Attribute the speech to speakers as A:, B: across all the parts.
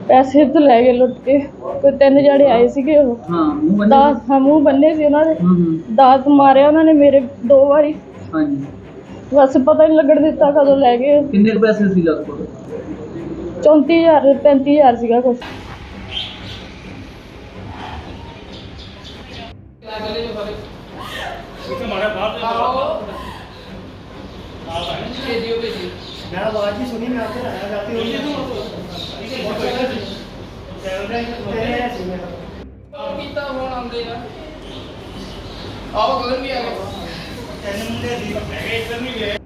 A: पैसे तो लै गए लुट के। कोई 3 जने आए सीगे वो।
B: हाँ मुंह बन्ने
A: दात हाँ मूँह बन्ने सी उन्होंने। दात मारे उन्होंने मेरे 2 बारी।
B: हाँ जी
A: बस पता नहीं लगन दिता कदों लै गए।
B: किन्ने कुछ पैसे सी लग कोल
A: 34,000 35,000 सीगा कुछ।
C: मैं आवाज ही सुनी, मैं आपसे आया जाती हूँ
D: ਕੀਤਾ ਹੁਣ ਆਉਂਦੇ ਆ ਆਓ ਗਗਨ ਵੀ ਆ ਗਏ
C: ਤਿੰਨ ਮੁੰਡੇ ਦੀ ਹੈਗੇ ਇੱਧਰ ਨਹੀਂ ਗਏ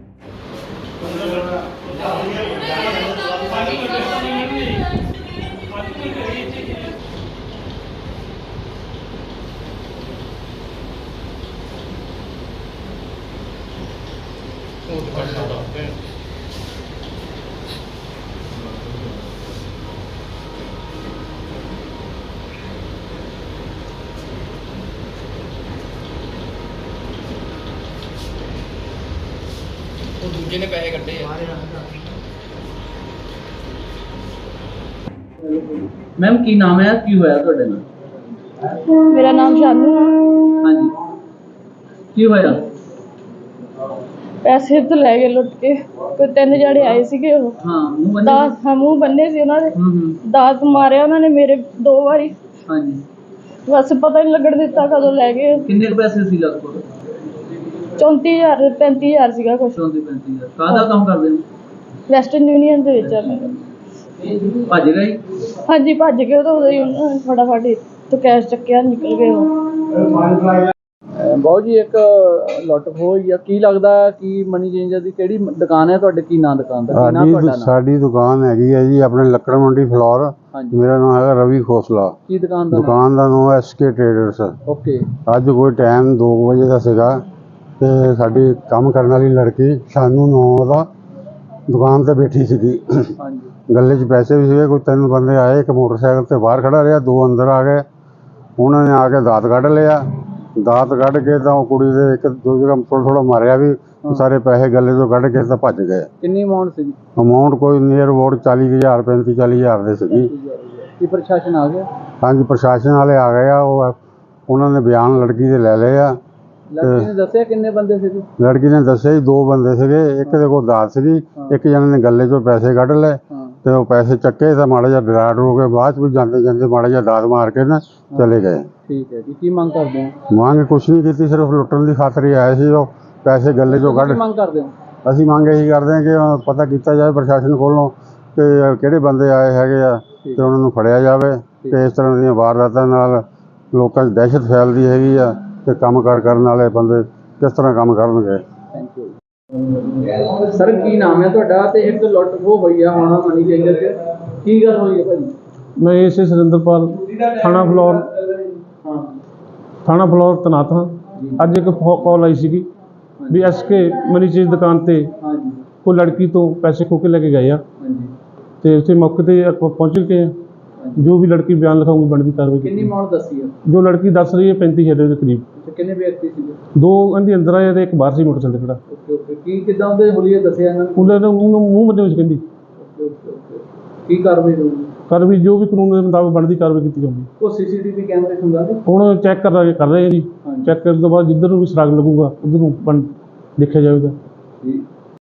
D: ਦੂਜੇ ਨੇ ਪੈਸੇ ਕੱਢੇ ਆ
B: मैम की नाम है की होया ਤੁਹਾਡੇ ਨਾਲ
A: मेरा नाम शानू है।
B: हाँ जी की होया
A: पैसे तो लै गए लुट के। कोई 3 जने आए सीगे वो।
B: हाँ मुंह बन्ने
A: दात हाँ मूँह बन्ने सी उन्होंने। दात मारे उन्होंने मेरे 2 बारी।
B: हाँ जी
A: बस पता नहीं लगन दिता कदों लै गए।
B: किन्ने कुछ पैसे सी लग कोल
A: 34,000 35,000 सीगा कुछ।
B: 34-35 ਕਾਹਦਾ ਕੰਮ ਕਰਦੇ ਹੋ
A: ਵੈਸਟਰਨ ਯੂਨੀਅਨ ਦੇ ਵਿੱਚ ਆ ਮੇਰਾ।
B: ਭੱਜ ਗਏ
A: ਹਾਂਜੀ ਭੱਜ ਗਏ ਉਹ ਤਾਂ ਉਦੋਂ ਹੀ ਉਹਨਾਂ ਨੇ ਫਟਾਫਟ ਹੀ ਤੋਂ ਕੈਸ਼ ਚੱਕਿਆ ਨਿਕਲ ਗਏ ਉਹ।
B: ਬਹੁਤ ਜੀ ਇੱਕ ਲੁੱਟ ਹੋਈ ਆ ਕੀ ਲੱਗਦਾ ਕਿ ਮਨੀ ਚੇਂਜਰ ਦੀ ਕਿਹੜੀ ਦੁਕਾਨ ਹੈ ਤੁਹਾਡੇ ਕੀ ਨਾਂ ਦੁਕਾਨ ਦਾ ਕੀ ਨਾਮ ਤੁਹਾਡਾ ਨਾਮ
E: ਸਾਡੀ ਦੁਕਾਨ ਹੈਗੀ ਹੈ ਜੀ ਆਪਣੇ ਲੱਕੜ ਮੰਡੀ ਫਲੋਰ।
B: ਹਾਂਜੀ
E: ਮੇਰਾ ਨਾਮ ਹੈਗਾ ਰਵੀ ਖੋਸਲਾ।
B: ਕੀ ਦੁਕਾਨ ਦਾ
E: ਦੁਕਾਨ ਦਾ ਨਾਮ SK ਟ੍ਰੇਡਰਸ।
B: ਓਕੇ
E: ਅੱਜ ਕੋਈ ਟਾਈਮ 2 ਵਜੇ ਦਾ ਸੀਗਾ ਤੇ ਸਾਡੀ ਕੰਮ ਕਰਨ ਵਾਲੀ ਲੜਕੀ ਸ਼ਾਨੂ ਨਾਂ ਦਾ ਦੁਕਾਨ ਤੇ ਬੈਠੀ ਸੀਗੀ।
B: ਹਾਂਜੀ
E: ਗੱਲੇ 'ਚ ਪੈਸੇ ਵੀ ਸੀਗੇ। ਕੋਈ 3 ਬੰਦੇ ਆਏ, ਇੱਕ ਮੋਟਰਸਾਈਕਲ ਤੇ ਬਾਹਰ ਖੜਾ ਰਿਹਾ, 2 ਅੰਦਰ ਆ ਗਏ। ਉਹਨਾਂ ਨੇ ਆ ਕੇ ਦਾਤ ਕੱਢ ਲਿਆ। ਦਾਤ ਕੱਢ ਕੇ ਤਾਂ ਉਹ ਕੁੜੀ ਦੇ ਇੱਕ ਦੋ ਜਗ੍ਹਾ ਥੋੜ੍ਹਾ ਮਾਰਿਆ ਵੀ। ਸਾਰੇ ਪੈਸੇ ਗੱਲੇ ਤੋਂ ਕੱਢ ਕੇ ਤਾਂ ਭੱਜ ਗਏ।
B: ਕਿੰਨੀ ਅਮਾਉਂਟ ਸੀ
E: ਅਮਾਊਂਟ ਕੋਈ ਨੀਅਰ ਅਬਾਊਟ 40,000 35-40,000 ਦੇ ਸੀਗੀ।
B: ਕੀ ਪ੍ਰਸ਼ਾਸਨ ਆ ਗਿਆ
E: ਹਾਂਜੀ ਪ੍ਰਸ਼ਾਸਨ ਵਾਲੇ ਆ ਗਏ ਆ। ਉਹਨਾਂ ਨੇ ਬਿਆਨ ਲੜਕੀ ਦੇ ਲੈ ਲਏ ਆ।
B: ਲੜਕੀ ਨੇ ਦੱਸਿਆ ਕਿੰਨੇ ਬੰਦੇ ਸੀ
E: ਲੜਕੀ ਨੇ ਦੱਸਿਆ ਜੀ 2 ਬੰਦੇ ਸੀਗੇ। ਇੱਕ ਦੇ ਕੋਲ ਦਾਤ ਸੀਗੀ, ਇੱਕ ਜਣੇ ਨੇ ਗੱਲੇ 'ਚੋਂ ਪੈਸੇ ਕੱਢ ਲਏ ਤੇ ਉਹ ਪੈਸੇ ਚੱਕੇ ਤਾਂ ਮਾੜਾ ਜਿਹਾ ਡਰਾ ਡਰੂ ਕੇ ਬਾਅਦ 'ਚ ਵੀ ਜਾਂਦੇ ਜਾਂਦੇ ਮਾੜਾ ਜਿਹਾ ਦਾਤ ਮਾਰ ਕੇ ਨਾ ਚਲੇ ਗਏ।
B: ਠੀਕ ਹੈ ਜੀ ਕੀ ਮੰਗ ਕਰਦੇ ਹੋ
E: ਮੰਗ ਕੁਛ ਨਹੀਂ ਕੀਤੀ, ਸਿਰਫ ਲੁੱਟਣ ਦੀ ਖਾਤਰ ਹੀ ਆਏ ਸੀ। ਉਹ ਪੈਸੇ ਗੱਲੇ 'ਚੋਂ ਕੱਢ।
B: ਮੰਗ ਕਰਦੇ ਹੋ
E: ਅਸੀਂ ਮੰਗ ਇਹੀ ਕਰਦੇ ਹਾਂ ਕਿ ਪਤਾ ਕੀਤਾ ਜਾਵੇ ਪ੍ਰਸ਼ਾਸਨ ਕੋਲੋਂ ਕਿ ਕਿਹੜੇ ਬੰਦੇ ਆਏ ਹੈਗੇ ਆ ਤੇ ਉਹਨਾਂ ਨੂੰ ਫੜਿਆ ਜਾਵੇ। ਤੇ ਇਸ ਤਰ੍ਹਾਂ ਦੀਆਂ ਵਾਰਦਾਤਾਂ ਨਾਲ ਲੋਕਾਂ 'ਚ ਦਹਿਸ਼ਤ ਫੈਲਦੀ ਹੈਗੀ ਆ ਤੇ ਕੰਮ ਕਾਰ ਕਰਨ ਵਾਲੇ ਬੰਦੇ ਕਿਸ ਤਰ੍ਹਾਂ ਕੰਮ ਕਰਨਗੇ।
B: ਥੈਂਕ ਯੂ ਸਰ ਕੀ ਨਾਮ ਹੈ ਤੁਹਾਡਾ ਤੇ ਇੱਕ ਲੁੱਟ ਖੋਹ ਹੋਈ ਆ ਹੁਣ ਮਨੀ ਚੇਂਜਰ 'ਚ ਕੀ ਗੱਲ ਹੋਈ ਹੈ ਭਾਜੀ
F: मैं इसे सुरेंद्रपाल थाना फ्लोर तैनात हाँ। अज एक कॉल आई सी भी SK मनी चेंज दुकान ते कोई लड़की तो पैसे खो के लेके गए आ ते उत्थे मौके ते पहुँच के जो भी लड़की बयान लिखाऊंगी बनती कार्रवाई
B: कितनी अमाउंट दसी है
F: जो लड़की दस रही है 35,000 के करीब।
B: कितने व्यक्ति थे
F: 2 कहती अंदर आए तो एक बाहर से मोटरसाइकिल खड़ा।
B: ओके ओके की किदां दे हुलिए दसिया इन्हां
F: उन्हें मूँह बदले में कहती
B: ओके ओके ओके की कार्रवाई होगी
F: कार्रवाई जो भी कानून के मुताबिक बनती कार्रवाई की जाऊगी।
B: वो CCTV कैमरे खुंगा दे
F: ਹੁਣ ਚੈੱਕ ਕਰ ਰਹੇ ਹਾਂ ਜੀ। ਚੈੱਕ ਕਰਨ ਤੋਂ ਬਾਅਦ ਜਿੱਧਰ ਨੂੰ ਵੀ ਸੁਰਾਗ ਲੱਗੂਗਾ ਉਧਰ ਨੂੰ ਦੇਖਿਆ ਜਾਵੇਗਾ।